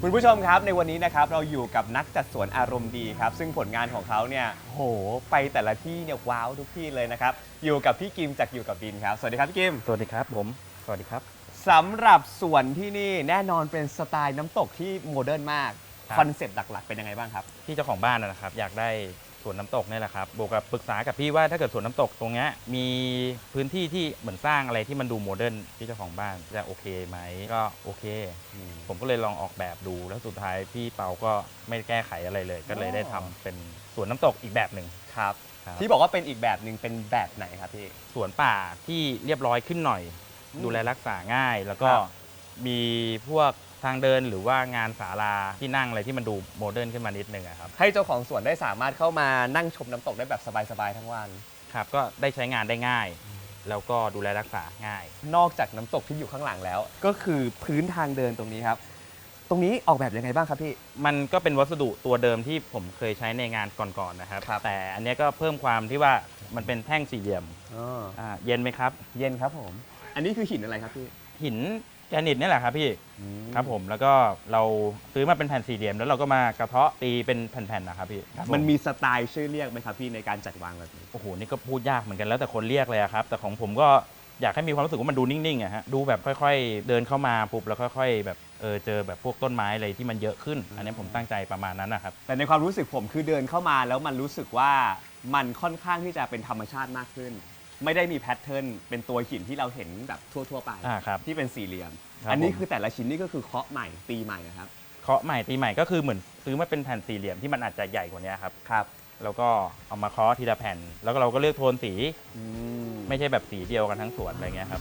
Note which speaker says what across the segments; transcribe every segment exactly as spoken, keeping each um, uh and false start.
Speaker 1: คุณผู้ชมครับในวันนี้นะครับเราอยู่กับนักจัดสวนอารมณ์ดีครับซึ่งผลงานของเขาเนี่ยโหไปแต่ละที่เนี่ยว้าวทุกที่เลยนะครับอยู่กับพี่กิมจากอยู่กับบินครับสวัสดีครับพี่กิม
Speaker 2: สวัสดีครับผมสวัสดีครับ
Speaker 1: สำหรับสวนที่นี่แน่นอนเป็นสไตล์น้ำตกที่โมเดิร์นมากคอนเซ็ปต์หลักๆเป็นยังไงบ้างครับ
Speaker 2: ที่เจ้าของบ้านนะครับอยากได้สวนน้ำตกนี่แหละครับบวกกับปรึกษากับพี่ว่าถ้าเกิดสวนน้ำตกตรงนี้มีพื้นที่ที่เหมือนสร้างอะไรที่มันดูโมเดิร์นที่เจ้าของบ้านจะโอเคไหมก็โอเคผมก็เลยลองออกแบบดูแล้วสุดท้ายพี่เปาก็ไม่แก้ไขอะไรเลย ก็เลยได้ทำเป็นสวนน้ำตกอีกแบบหนึ่ง
Speaker 1: ครับที่บอกว่าเป็นอีกแบบหนึ่งเป็นแบบไหนครับพี่
Speaker 2: สวนป่าที่เรียบร้อยขึ้นหน่อยดูแลรักษาง่ายแล้วก็มีพวกทางเดินหรือว่างานศาลาที่นั่งอะไรที่มันดูโมเดิร์นขึ้นมานิดนึงครับ
Speaker 1: ให้เจ้าของสวนได้สามารถเข้ามานั่งชมน้ำตกได้แบบสบายๆทั้งวัน
Speaker 2: ครับก็ได้ใช้งานได้ง่ายแล้วก็ดูแลรักษาง่าย
Speaker 1: นอกจากน้ำตกที่อยู่ข้างหลังแล้วก็คือพื้นทางเดินตรงนี้ครับตรงนี้ออกแบบยังไงบ้างครับพี่
Speaker 2: มันก็เป็นวัสดุตัวเดิมที่ผมเคยใช้ในงานก่อนๆนะครับ
Speaker 1: รบ
Speaker 2: แต่อันนี้ก็เพิ่มความที่ว่ามันเป็นแท่งสี่เหลี่ยมอ่าเย็นไหมครับ
Speaker 1: เย็นครับผมอันนี้คือหินอะไรครับพี่
Speaker 2: หินแกรนิตนี่แหละครับพี่ครับผมแล้วก็เราซื้อมาเป็นแผ่นสี่เหลี่ยมแล้วเราก็มากระเทาะตีเป็นแผ่นๆนะครับพี่
Speaker 1: มันมีสไตล์ชื่อเรียกไหมครับพี่ในการจัดวางแบบนี้
Speaker 2: โอ้โหนี่ก็พูดยากเหมือนกันแล้วแต่คนเรียกเลยครับแต่ของผมก็อยากให้มีความรู้สึกว่ามันดูนิ่งๆอะฮะดูแบบค่อยๆเดินเข้ามาปุ๊บแล้วค่อยๆแบบเออเจอแบบพวกต้นไม้อะไรที่มันเยอะขึ้นอันนี้ผมตั้งใจประมาณนั้นนะครับ
Speaker 1: แต่ในความรู้สึกผมคือเดินเข้ามาแล้วมันรู้สึกว่ามันค่อนข้างที่จะเป็นธรรมชาติมากขึ้นไม่ได้มีแพทเทิร์นเป็นตัวหินที่เราเห็นแบบทั่วๆไปที่เป็นสี่เหลี่ยมอันนี้คือแต่ละชิ้นนี่ก็คือเคาะใหม่ตีใหม่นะครับ
Speaker 2: เคาะใหม่ตีใหม่ก็คือเหมือนซื้อมาเป็นแผ่นสี่เหลี่ยมที่มันอาจจะใหญ่กว่านี้ครับ
Speaker 1: ครับ
Speaker 2: แล้วก็เอามาเคาะทีละแผ่นแล้วก็เราก็เลือกโทนสีไม่ใช่แบบสีเดียวกันทั้งสวนอะไรเงี้ยครับ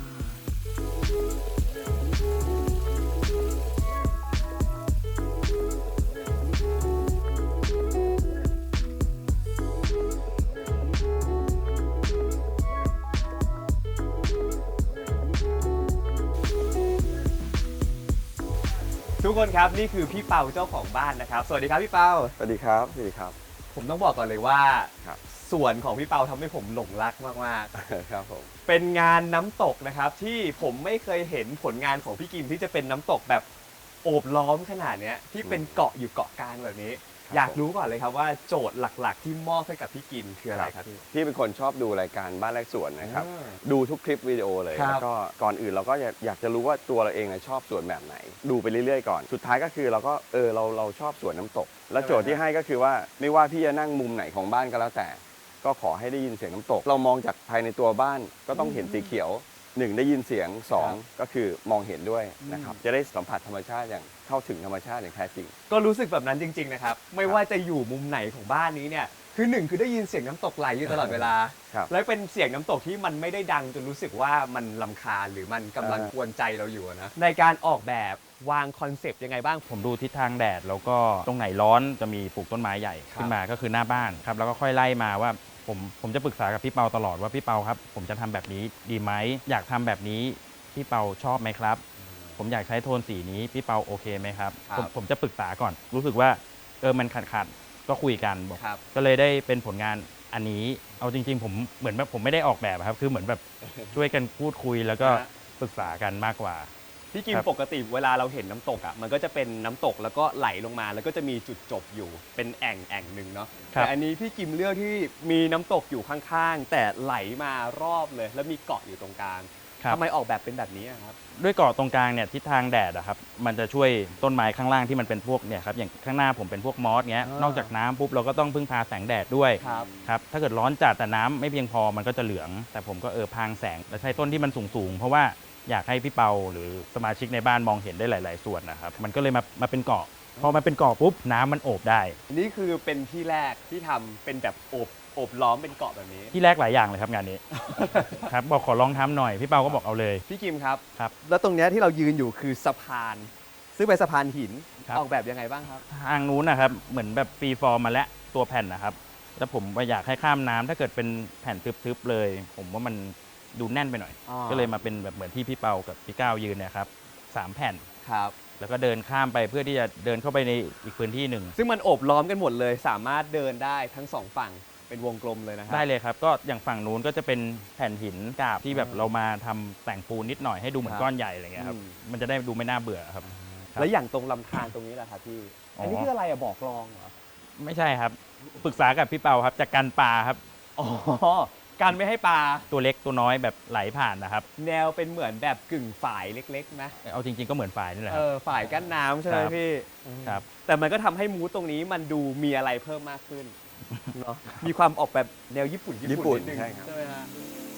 Speaker 1: ทุกคนครับนี่คือพี่เปาเจ้าของบ้านนะครับสวัสดีครับพี่เปา
Speaker 3: สวัสดีครับสวัสดีครับ
Speaker 1: ผมต้องบอกก่อนเลยว่าสวนของพี่เปาทำให้ผมหลงรักมาก
Speaker 3: ๆครับผม
Speaker 1: เป็นงานน้ำตกนะครับที่ผมไม่เคยเห็นผลงานของพี่กิมที่จะเป็นน้ำตกแบบโอบล้อมขนาดนี้ที่เป็นเกาะอยู่เกาะกลางแบบนี้อยากรู้ก่อนเลยครับว่าโจทย์หลักๆที่มอบให้กับพี่กิมคืออะไรครับพี่
Speaker 3: พี่เป็นคนชอบดูรายการบ้านแรกสวนนะครับดูทุกคลิปวิดีโอเลยแล้วก็ก่อนอื่นเราก็อยากจะรู้ว่าตัวเราเองชอบสวนแบบไหนดูไปเรื่อยๆก่อนสุดท้ายก็คือเราก็เออเราเราชอบสวนน้ำตกแล้วโจทย์ที่ให้ก็คือว่าไม่ว่าพี่จะนั่งมุมไหนของบ้านก็แล้วแต่ก็ขอให้ได้ยินเสียงน้ำตกเรามองจากภายในตัวบ้านก็ต้องเห็นสีเขียวหนึ่งได้ยินเสียงสองก็คือมองเห็นด้วยนะครับจะได้สัมผัสธรรมชาติอย่างเข้าถึงธรรมชาติอย่างแท้จริง
Speaker 1: ก็รู้สึกแบบนั้นจริงๆนะครับไม่ว่าจะอยู่มุมไหนของบ้านนี้เนี่ยคือหนึ่งคือได้ยินเสียงน้ำตกไหลอยู่ตลอดเวลาและเป็นเสียงน้ำตกที่มันไม่ได้ดังจนรู้สึกว่ามันรำคาญหรือมันกำลังกวนใจเราอยู่นะในการออกแบบวางคอนเซปต์ยังไงบ้าง
Speaker 2: ผมดูทิศทางแดดแล้วก็ตรงไหนร้อนจะมีปลูกต้นไม้ใหญ่ขึ้นมาก็คือหน้าบ้านครับแล้วก็ค่อยไล่มาว่าผมผมจะปรึกษากับพี่เปาตลอดว่าพี่เปาครับผมจะทำแบบนี้ดีไหมอยากทำแบบนี้พี่เปาชอบไหมครับผมอยากใช้โทนสีนี้พี่เปาโอเคไหมครับผมผมจะปรึกษาก่อนรู้สึกว่าเออมันขาดขาดก็คุยกันบอกก็เลยได้เป็นผลงานอันนี้เอาจริงๆผมเหมือนแบบผมไม่ได้ออกแบบครับคือเหมือนแบบช่วยกันพูดคุยแล้วก็ปรึกษากันมากกว่า
Speaker 1: พี่กิมปกติเวลาเราเห็นน้ำตกอ่ะมันก็จะเป็นน้ำตกแล้วก็ไหลลงมาแล้วก็จะมีจุดจบอยู่เป็นแอ่งแอ่งหนึ่งเนาะแต่อันนี้พี่กิมเลือกที่มีน้ำตกอยู่ข้างๆแต่ไหลมารอบเลยแล้วมีเกาะอยู่ตรงกลางทำไมออกแบบเป็นแบบนี้ครับ
Speaker 2: ด้วยเกาะตรงกลางเนี่ยทิศทางแดดอะครับมันจะช่วยต้นไม้ข้างล่างที่มันเป็นพวกเนี่ยครับอย่างข้างหน้าผมเป็นพวกมอสเงี้ยนอกจากน้ำปุ๊บเราก็ต้องพึ่งพาแสงแดดด้วยครับถ้าเกิดร้อนจัดแต่น้ำไม่เพียงพอมันก็จะเหลืองแต่ผมก็เออพางแสงและใช้ต้นที่มันสูงๆเพราะว่าอยากให้พี่เปาหรือสมาชิกในบ้านมองเห็นได้หลายๆส่วนนะครับมันก็เลยมามาเป็นเกาะพอมันเป็นเกาะปุ๊บน้ำมันโอบได้
Speaker 1: นี่คือเป็นที่แรกที่ทำเป็นแบบโอบโอบล้อมเป็นเกาะแบบนี้
Speaker 2: ที่แรกหลายอย่างเลยครับงานนี้ครับบอกขอลองทำหน่อยพี่เปาก็บอกเอาเลย
Speaker 1: พี่กิมครับ
Speaker 2: ครับ
Speaker 1: แล้วตรงนี้ที่เรายืนอยู่คือสะพานซึ่งเป็นสะพานหินออกแบบยังไงบ้างครับ
Speaker 2: ทางนู้นนะครับเหมือนแบบฟรีฟอร์มมาแล้วตัวแผ่นนะครับแล้วผมอยากให้ข้ามน้ำถ้าเกิดเป็นแผ่นทึบๆเลยผมว่ามันดูแน่นไปหน่อยก็เลยมาเป็นแบบเหมือนที่พี่เปากับพี่ก้าวยืนเนี่ยครับสามแผ่น
Speaker 1: ครับ
Speaker 2: แล้วก็เดินข้ามไปเพื่อที่จะเดินเข้าไปในอีกพื้นที่หนึ่ง
Speaker 1: ซึ่งมันโอบล้อมกันหมดเลยสามารถเดินได้ทั้งสองฝั่งเป็นวงกลมเลยนะครับ
Speaker 2: ได้เลยครับก็อย่างฝั่งนู้นก็จะเป็นแผ่นหินกาบที่แบบเรามาทำแต่งปูนนิดหน่อยให้ดูเหมือนก้อนใหญ่อะไรเงี้ยครับมันจะได้ดูไม่น่าเบื่อครับ
Speaker 1: แล้วอย่างตรงลำธารตรงนี้แหละครับพี่
Speaker 2: อ๋ออั
Speaker 1: อันนี้คืออะไรอะบ่อคลองเหรอ
Speaker 2: ไม่ใช่ครับปรึกษากับพี่เปาครับจากการปลาครับ
Speaker 1: อ๋อการไม่ให้ปลา
Speaker 2: ตัวเล็กตัวน้อยแบบไหลผ่านนะครับ
Speaker 1: แนวเป็นเหมือนแบบกึ่งฝายเล็กๆไหม
Speaker 2: เอาจริงๆก็เหมือนฝ่ายนี่แหละค
Speaker 1: เอ
Speaker 2: รับ
Speaker 1: อฝายกั้นน้ำใช่ไหม
Speaker 2: ครับ
Speaker 1: พี่
Speaker 2: ครับ
Speaker 1: แต่มันก็ทำให้มูสตรงนี้มันดูมีอะไรเพิ่มมากขึ้นเนาะมีความออกแบบแนวญี่ปุ่น
Speaker 3: ญี่ปุ่น
Speaker 1: นิดนึง
Speaker 3: ใช่ครับ
Speaker 1: ใช่ไหมฮะ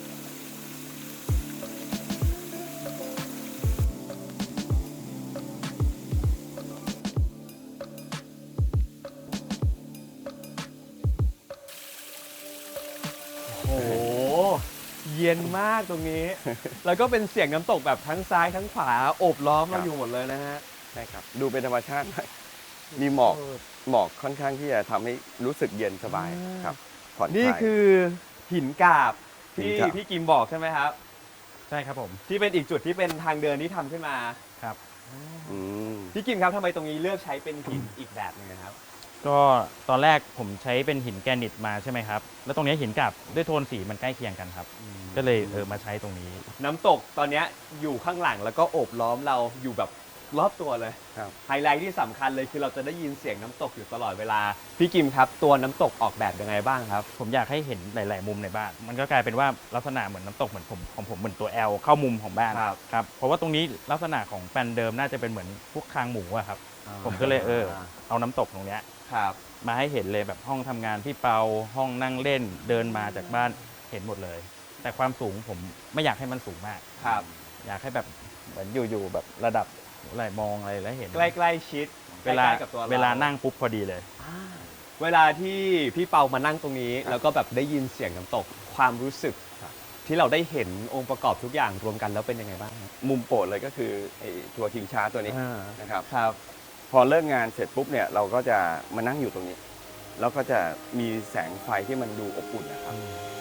Speaker 1: โอ้โหเย็นมากตรงนี้ แล้วก็เป็นเสียงน้ำตกแบบทั้งซ้ายทั้งขวาโอบล้อมเราอยู่หมดเลยนะฮะ
Speaker 3: ใช่ครับดูเป็นธรรมชาติมากมีหมอกหมอกค่อนข้างที่จะทำให้รู้สึกเย็นสบาย
Speaker 1: อ่า
Speaker 3: ครับผ่อนคลาย
Speaker 1: นี่คือหินกาบที่
Speaker 3: หินกาบ
Speaker 1: พี่กิมบอกใช่ไหมครับ
Speaker 2: ใช่ครับผม
Speaker 1: ที่เป็นอีกจุดที่เป็นทางเดินที่ทำขึ้นมา
Speaker 2: ครับ
Speaker 3: อืม
Speaker 1: พี่กิมครับทำไมตรงนี้เลือกใช้เป็นหินอีกแบบหนึงนะครับ
Speaker 2: ก็ตอนแรกผมใช้เป็นหินแกรนิตมาใช่ไหมครับแล้วตรงนี้หินกับด้วยโทนสีมันใกล้เคียงกันครับ ก็เลยเออมาใช้ตรงนี้
Speaker 1: น้ำตกตอนเนี้ยอยู่ข้างหลังแล้วก็โอบล้อมเราอยู่แบบรอบตัวเลย
Speaker 3: ครับ
Speaker 1: ไฮไลท์ที่สำคัญเลยคือเราจะได้ยินเสียงน้ำตกอยู่ตลอดเวลา พี่กิมครับตัวน้ำตกออกแบบยังไงบ้างครับ
Speaker 2: ผมอยากให้เห็นหลาย ๆ มุมในบ้าน มันก็กลายเป็นว่าลักษณะเหมือนน้ำตกเหมือนผมของผมเหมือนตัว L เข้ามุมของบ้าน
Speaker 1: ครับ
Speaker 2: ครับเพราะว่าตรงนี้ลักษณะของแปลนเดิมน่าจะเป็นเหมือนพวกคางหมูอะครับผมก็เลยเออเอาน้ำตกตรงเนี้ย
Speaker 1: ครับ
Speaker 2: มาให้เห็นเลยแบบห้องทำงานพี่เปาห้องนั่งเล่นเดินมาจากบ้านเห็นหมดเลย แต่ความสูงผมไม่อยากให้มันสูงมาก
Speaker 1: ครับ
Speaker 2: อยากให้แบบเหมือนอยู่ๆแบบระดับอะไรมองอะไรแล้วเห็น
Speaker 1: ใกล้ๆชิด
Speaker 2: เวลา
Speaker 1: ใกๆกับตัวร
Speaker 2: เวลานั่งปุ๊บพอดีเลย
Speaker 1: เวลาที่พี่เปามานั่งตรงนี้ แล้วก็แบบได้ยินเสียงน้ำตกความรู้สึก ที่เราได้เห็นองค์ประกอบทุกอย่างรวมกันแล้วเป็นยังไงบ้างครับ
Speaker 3: มุมโปรดเลยก็คือไอ้ตัวคิงชาร์ตัวนี้
Speaker 1: อ่า
Speaker 3: นะครับ
Speaker 1: ครับ
Speaker 3: พอเลิกงานเสร็จปุ๊บเนี่ยเราก็จะมานั่งอยู่ตรงนี้ แล้วก็จะมีแสงไฟที่มันดูอบอุ่นนะครับ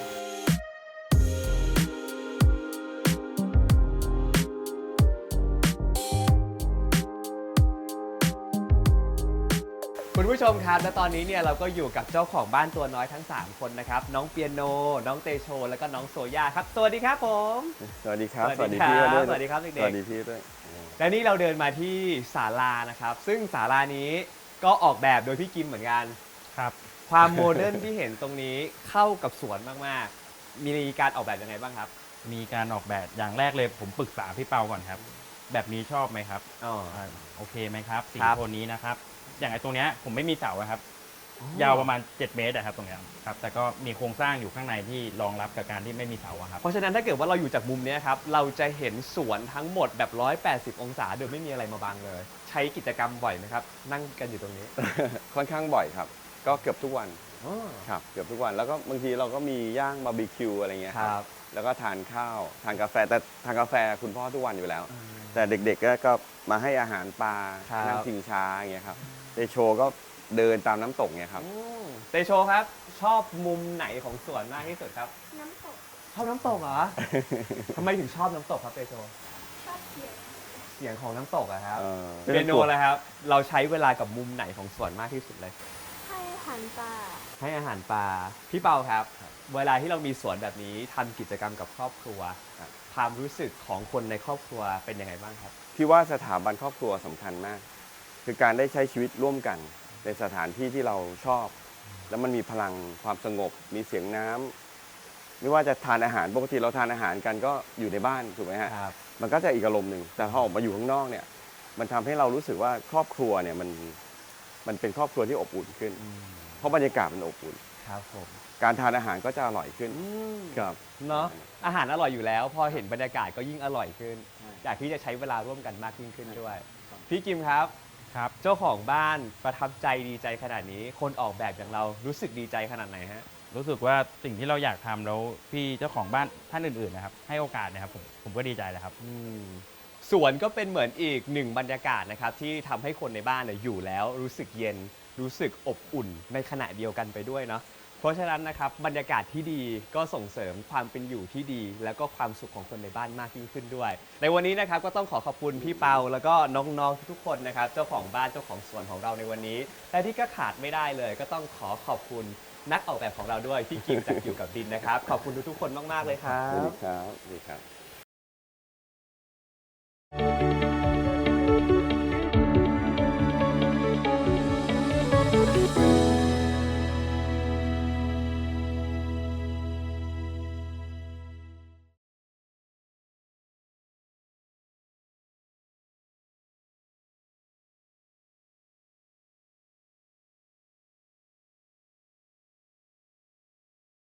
Speaker 1: คุณผู้ชมครับและตอนนี้เนี่ยเราก็อยู่กับเจ้าของบ้านตัวน้อยทั้ง สาม คนนะครับ น้องเปียโน น้องเตโช แล้วก็น้องโซย่าครับ สวัสดีครับผม
Speaker 3: สวัสดีครับ
Speaker 1: สวัสดีครับ
Speaker 3: พี่ด้วย
Speaker 1: สวัสดีครับเด็กๆ
Speaker 3: สวัสดีพี่ด้วย
Speaker 1: และนี่เราเดินมาที่ศาลานะครับ ซึ่งศาลานี้ก็ออกแบบโดยพี่กิมเหมือนกัน
Speaker 2: ครับ
Speaker 1: ความโมเดิร์นที่เห็นตรงนี้เข้ากับสวนมากๆ มีการออกแบบยังไงบ้างครับ
Speaker 2: มีการออกแบบอย่างแรกเลยผมปรึกษาพี่เปาก่อนครับ แบบนี้ชอบไหมครับ
Speaker 1: อ๋อ
Speaker 2: อ่าโอเคไหมครับสี
Speaker 1: ครับ
Speaker 2: โทนนี้นะครับ อย่างไอ้ตรงเนี้ยผมไม่มีเสาอะครับ
Speaker 1: อ๋อ
Speaker 2: ยาวประมาณเจ็ดเมตรอะครับตรงเนี้ยครับแต่ก็มีโครงสร้างอยู่ข้างในที่รองรับกับการที่ไม่มีเสาอะครับ
Speaker 1: เพราะฉะนั้นถ้าเกิดว่าเราอยู่จากมุมเนี้ยครับ เราจะเห็นสวนทั้งหมดแบบ หนึ่งร้อยแปดสิบ องศาโดยไม่มีอะไรมาบังเลย ใช้กิจกรรมบ่อยไหมครับ นั่งกันอยู่ตรงนี้
Speaker 3: ค่อนข้างบ่อยครับ ก็เกือบทุกวัน
Speaker 1: อ๋อ
Speaker 3: ครับเกือบทุกวันแล้วก็บางทีเราก็มีย่างบาร์บีคิวอะไรเงี้ย
Speaker 1: ค
Speaker 3: ค
Speaker 1: รั
Speaker 3: รั
Speaker 1: บบ
Speaker 3: แล้วก็ทานข้าวทานกาแฟแต่ทานกาแฟคุณพ่อทุกวันอยู่แล้ว แต่เด็กๆก็ก็มาให้อาหารปลา
Speaker 1: ครับ
Speaker 3: นั่งชิงช้าอย่างเงี้ยครับเดโชก็เดินตามน้ำตกเนี่ยครับ
Speaker 1: อืมเตโชครับ ชอบมุมไหนของสวนมากที่สุดครับ
Speaker 4: น้ำตก
Speaker 1: ชอบน้ำตกเหรอ ทำไมถึงชอบน้ำตกครับเตโช
Speaker 4: ชอบเขียน
Speaker 1: เสียงของน้ำตกอะครับ
Speaker 3: เออ
Speaker 1: เปียโนเลยครับ เราใช้เวลากับมุมไหนของสวนมากที่สุดเลย
Speaker 4: ให้อาหันปลา
Speaker 1: ให้อาหารปลา พี่เปาครับ เวลาที่เรามีสวนแบบนี้ทำกิจกรรมกับครอบครัว ความรู้สึกของคนในครอบครัวเป็นยังไงบ้างครับ
Speaker 3: พี่ว่าสถาบันครอบครัวสำคัญมาก คือการได้ใช้ชีวิตร่วมกัน ในสถานที่ที่เราชอบ แล้วมันมีพลังความสงบ มีเสียงน้ำไม่ว่าจะทานอาหารปกติเราทานอาหารกันก็อยู่ในบ้านถูกไหมฮะ
Speaker 1: ครับ
Speaker 3: มันก็จะอีกอารมณ์หนึ่งแต่พอออกมาอยู่ข้างนอกเนี่ย มันทำให้เรารู้สึกว่าครอบครัวเนี่ยมันมันเป็นครอบครัวที่อบอุ่นขึ้น เพราะบรรยากาศมันอบอุ่น
Speaker 1: ครับผม
Speaker 3: การทานอาหารก็จะอร่อยขึ้น
Speaker 1: อืม
Speaker 3: ครับ
Speaker 1: เนาะอาหารอร่อยอยู่แล้ว พอเห็นบรรยากาศก็ยิ่งอร่อยขึ้น อยากที่จะใช้เวลาร่วมกันมากยิ่งขึ้นด้วย พี่กิมครับ
Speaker 2: ครับ
Speaker 1: เจ้าของบ้านประทับใจดีใจขนาดนี้ คนออกแบบอย่างเรารู้สึกดีใจขนาดไหนฮะ
Speaker 2: รู้สึกว่าสิ่งที่เราอยากทำแล้วพี่เจ้าของบ้านท่านอื่นๆนะครับให้โอกาสนะครับผมผมก็ดีใจแล้วครับ
Speaker 1: อืมสวนก็เป็นเหมือนอีกหนึ่งบรรยากาศนะครับที่ทำให้คนในบ้านเนี่ยอยู่แล้วรู้สึกเย็น รู้สึกอบอุ่นในขณะเดียวกันไปด้วยเนาะเพราะฉะนั้นนะครับบรรยากาศที่ดีก็ส่งเสริมความเป็นอยู่ที่ดี แล้วก็ความสุขของคนในบ้านมากยิ่งขึ้นด้วย ในวันนี้นะครับก็ต้องขอขอบคุณพี่เปาแล้วก็น้องๆทุกๆคนนะครับเจ้าของบ้านเจ้าของสวนของเราในวันนี้และที่ก็ขาดไม่ได้เลย ก็ต้องขอขอบคุณนักออกแบบของเราด้วยพี่กิมจากอยู่กับดินนะครับขอบคุณทุกๆคนมากๆเลยครั
Speaker 3: สวัส
Speaker 1: บ
Speaker 3: ดีครับสวัสดีครับ